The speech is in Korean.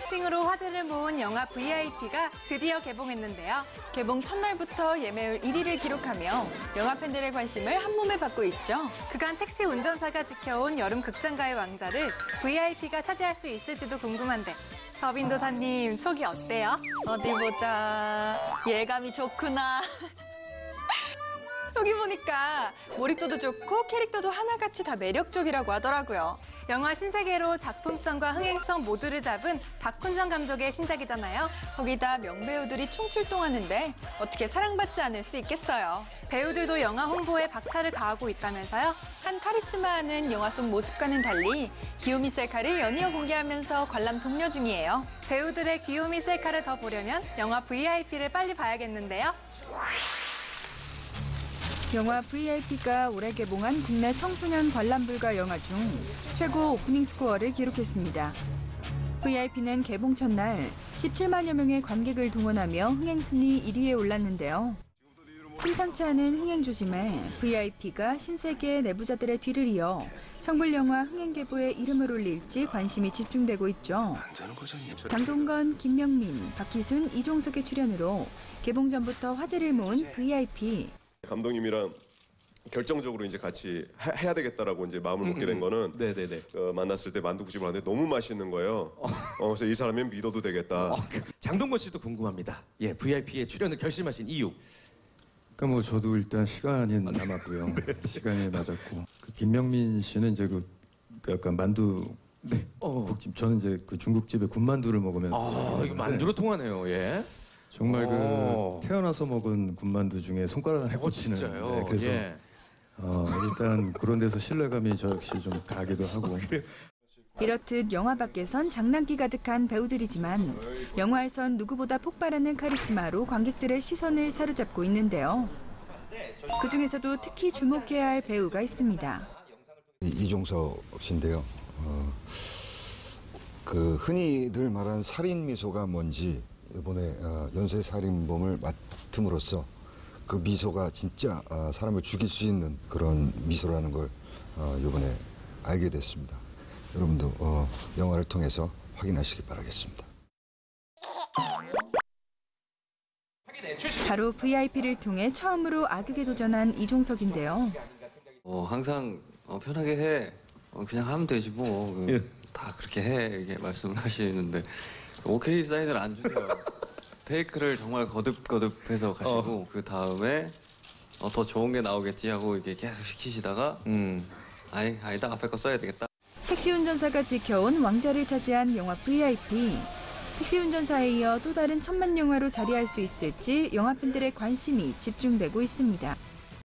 액팅으로 화제를 모은 영화 VIP가 드디어 개봉했는데요. 개봉 첫날부터 예매율 1위를 기록하며 영화 팬들의 관심을 한몸에 받고 있죠. 그간 택시 운전사가 지켜온 여름 극장가의 왕자를 VIP가 차지할 수 있을지도 궁금한데 서빈도사님 촉이 어때요? 어디 보자. 예감이 좋구나. 여기 보니까 몰입도도 좋고 캐릭터도 하나같이 다 매력적이라고 하더라고요. 영화 신세계로 작품성과 흥행성 모두를 잡은 박훈정 감독의 신작이잖아요. 거기다 명배우들이 총출동하는데 어떻게 사랑받지 않을 수 있겠어요. 배우들도 영화 홍보에 박차를 가하고 있다면서요? 한 카리스마하는 영화 속 모습과는 달리 귀요미 셀카를 연이어 공개하면서 관람 독려 중이에요. 배우들의 귀요미 셀카를 더 보려면 영화 VIP를 빨리 봐야겠는데요. 영화 VIP가 올해 개봉한 국내 청소년 관람 불가 영화 중 최고 오프닝 스코어를 기록했습니다. VIP는 개봉 첫날 17만여 명의 관객을 동원하며 흥행순위 1위에 올랐는데요. 심상치 않은 흥행 조짐에 VIP가 신세계 내부자들의 뒤를 이어 청불영화 흥행계보에 이름을 올릴지 관심이 집중되고 있죠. 장동건, 김명민, 박희순, 이종석의 출연으로 개봉 전부터 화제를 모은 VIP. 감독님이랑 결정적으로 이제 같이 해야 되겠다라고 이제 마음을 먹게 된 거는 만났을 때 만두국집을 하는데 너무 맛있는 거예요. 그래서 이 사람은 믿어도 되겠다. 장동건 씨도 궁금합니다. 예, VIP에 출연을 결심하신 이유. 그러니까 뭐 저도 일단 시간이 남았고요. 시간이 맞았고 그 김명민 씨는 이제 그 약간 만두 국집 저는 이제 그 중국집에 군만두를 먹으면서 이거 만두로 통하네요. 예. 정말 그 태어나서 먹은 군만두 중에 손가락 안에 꽂히는. 진짜요? 네, 그래서 예. 일단 그런 데서 신뢰감이 저 역시 좀 가기도 하고. 이렇듯 영화 밖에선 장난기 가득한 배우들이지만 영화에선 누구보다 폭발하는 카리스마로 관객들의 시선을 사로잡고 있는데요. 그중에서도 특히 주목해야 할 배우가 있습니다. 이종석 씨인데요. 그 흔히들 말하는 살인 미소가 뭔지 이번에 연쇄살인범을 맡음으로써 그 미소가 진짜 사람을 죽일 수 있는 그런 미소라는 걸 이번에 알게 됐습니다. 여러분도 영화를 통해서 확인하시기 바라겠습니다. 바로 VIP를 통해 처음으로 악역에 도전한 이종석인데요. 항상 편하게 해. 그냥 하면 되지 뭐. 다 그렇게 해. 이렇게 말씀을 하시는데 오케이 사인을 안 주세요. 테이크를 정말 거듭거듭해서 가시고 그 다음에 더 좋은 게 나오겠지 하고 이렇게 계속 시키시다가 아니다 앞에 거 써야 되겠다. 택시 운전사가 지켜온 왕자를 차지한 영화 VIP. 택시 운전사에 이어 또 다른 천만 영화로 자리할 수 있을지 영화 팬들의 관심이 집중되고 있습니다.